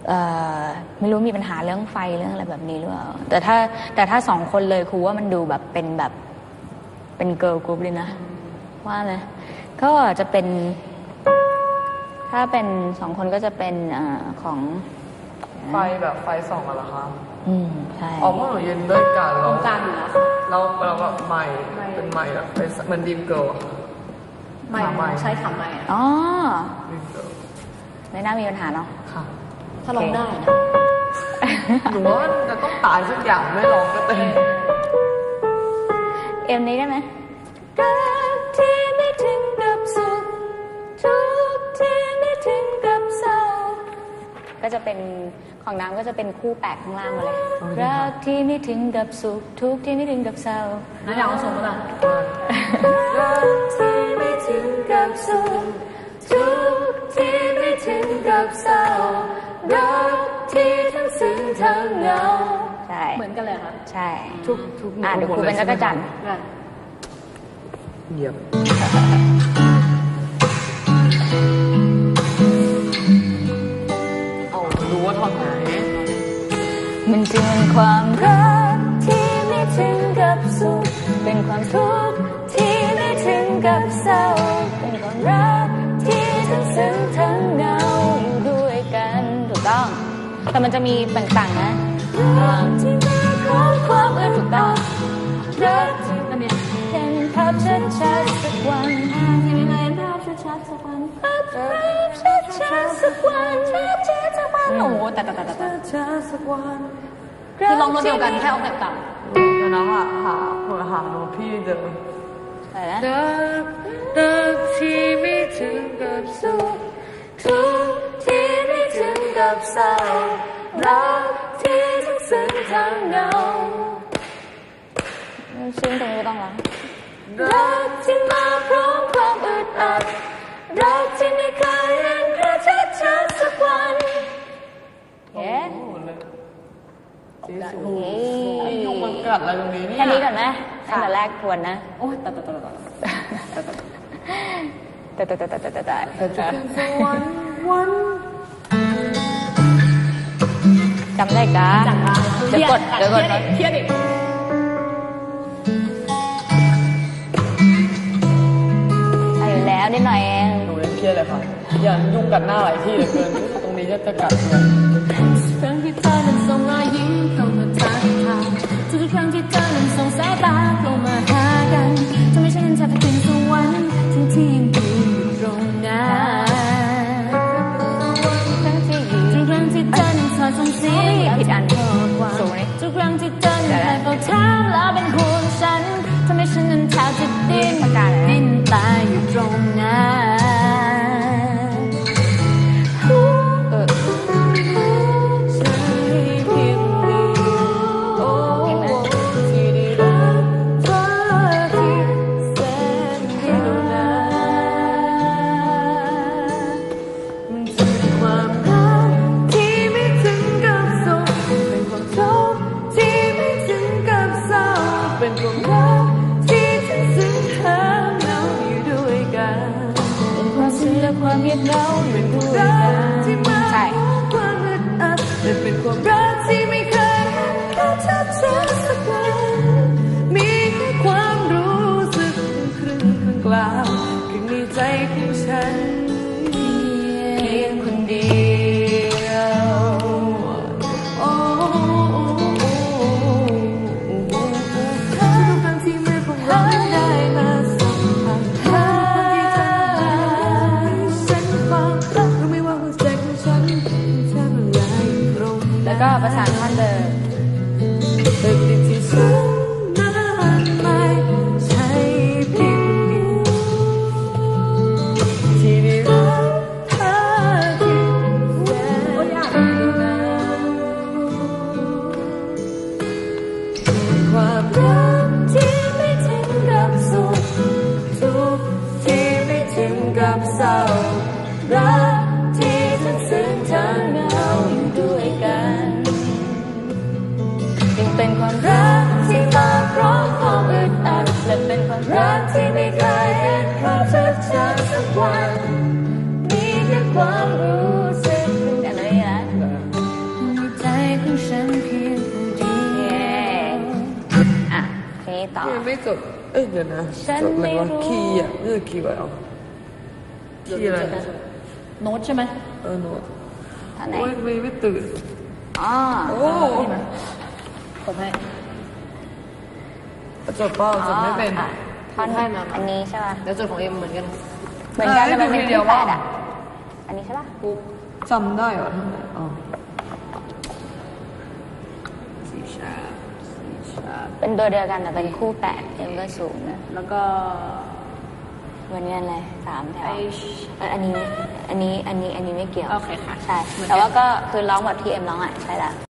ไม่รู้มีปัญหาเรื่องไฟเรื่องอะไรแบบนี้หรือเปล่าแต่ถ้าสองคนเลยครูว่ามันดูแบบเป็นเกิร์ลกรุ๊ปเลยนะว่าไหมก็จะเป็นถ้าเป็นสองคนก็จะเป็นของไฟแบบไฟส่องกันเหรอคะใช่พวกหนูยืนด้วยกันตรงกลางอยู่แล้วเราแบบใหม่เป็นใหม่แบบเป็นเหมือนดีมเกิร์ลใหม่ใช่ค่ะใหม่อ๋อไม่น่ามีปัญหาเนาะค่ะถ้าร้องได้นะหนูว่าจะต้องตายสักอย่างไม่ร้องก็เต้นนี้ได้ไหมรักที่ไม่ถึงกับสุขทุกที่ไม่ถึงกับเศร้าก็จะเป็นของน้ำก็จะเป็นคู่แปลกข้างล่างมาเลยรักที่ไม่ถึงกับสุขทุกที่ไม่ถึงกับเศร้าน้าอยากเอาส่งมารักที่ไม่ถึงกับสุขทุกที่ไม่ถึงกับเศร้ารักที่ทั้งซึ้งทั้งเหงาใช่เหมือนกันเลยค่ะใช่ทุกเดี๋ยวครูเป็นจักรจันทร์เหยียบรู้ว่าท่อนไหนมันจึงเป็นความรักที่ไม่ถึงกับสุขเป็นความทุกข์ที่ไม่ถึงกับเศร้าเป็นความรักที่ทั้งซึ้งทั้งเหงาอยู่ด้วยกันถูกต้องแต่มันจะมีต่างๆนะรักที่มีความถูกต้องรักที่มันเนี่ยเห็นภาพชัดๆสักวันที่ไม่เห็นภาพชัดๆสักวันภาพชัดๆสักวันชัดๆสักวันโอ้โหแต่สักวันคือลองโน้ตเดียวกันแค่ออกแบบต่ำแล้วนะหาโน้ตพี่เดิมอะไรนะรักที่ไม่ถึงกับสุขทุกที่ไม่ถึงกับเศร้ารักที่ทั้งซึ้งทั้งเหงาซึ้งตรงนี้ก็ต้องแล้วรักที่มาพร้อมความอึดอัดรักที่ไม่เคยเห็นกระชัดสักวันเย้ยุงมันกัดอะไรตรงนี้เนี่ยแค่นี้ก่อนไหมตั้งแต่แรกทวนนะโอ้ยแต่จะเป็นสวรรค์วันจำได้กะเดี๋ยวกดเทียบอีกแล้วนิดหน่อยเองหนูยังเครียดเลยค่ะอย่ายุ่งกัดหน้าหลายที่เหลือเกินตรงนี้จะกัดเลยครั้งที่เธอนั้นส่งรอยยิ้มเข้ามาทักทายทุกครั้งที่เธอนั้นส่งสายตาลงมาหากันทำให้ฉันแทบจะเป็นสวรรค์ทั้งที่ยังอยู่ตรงนั้นทุกครั้งที่เธอนั้นถอดส่งเสียงผิดอันข้อความทุกครั้งที่เธอนั้นให้เฝ้าถามแล้วเป็นห่วงฉันทำให้ฉันนั้นแทบจะดิ้นตายอยู่ตรงนั้นใจเพียงเดียวที่ได้รักเธอที่แสนเดียวดายมันจะเป็นความรักที่ไม่ถึงกับสุขเป็นความทุกข์ที่ไม่ถึงกับเศร้าเป็นความรักที่ทั้งซึ้งทั้งเหงาอยู่ด้วยกันเป็นความซึ้งและความเงียบเหงาอยู่ด้วยกันใช่ความอึดอัดและเป็นความรักที่ไม่เคยเห็นเขาชัดสักวันมีแค่ความรู้สึกครึ่งกลางข้างในใจของฉันเพียงคนเดียวทุกครั้งที่มือของเราได้มาสัมผัสฉันฟังรู้ไหมว่าหัวใจของฉันแทบละลายตรงแล้วก็ประสานท่อนเดิมตึกที่ฉันนั้นไม่ใช่เพียงเดียวที่ได้รักเธอที่แสนนานความรักที่ไม่ถึงกับสุขทุกข์ที่ไม่ถึงกับเศร้ารักที่ทั้งซึ้งทั้งเหงาอยู่ด้วยกันจึงเป็นความรักที่ต่อไม่จดเดี๋ยวนะฉันจดอะไรไม่วะรู้คีย์อ่ะนี่คือคีย์ไว้เอาคีย์อะไรโน้ตใช่ไหมโน้ตท่อนไหนโอ้ยไม่ตื่นอ๋อโอ้ผมให้จดเปล่าจดไม่เป็นอ๋อท่อนให้มาอันนี้ใช่ป่ะเดี๋ยวจดของเอ็มเหมือนกันเหมือนกันแต่มันเป็นเดี๋ที่ยวแปว่าดอ่ะอันนี้ใช่ป่ะจำได้เหรอท่านไหนอ๋อสีชาเป็นตัวเดียวกันแต่เป็นคู่แปดเอ็มก็สูงนะแล้วก็วันนี้อะไร3 แถว H อันนี้ไม่เกี่ยวโอเคค่ะใช่ แต่ว่าก็คือร้องแบบที่เอ็มร้องอ่ะใช่ละ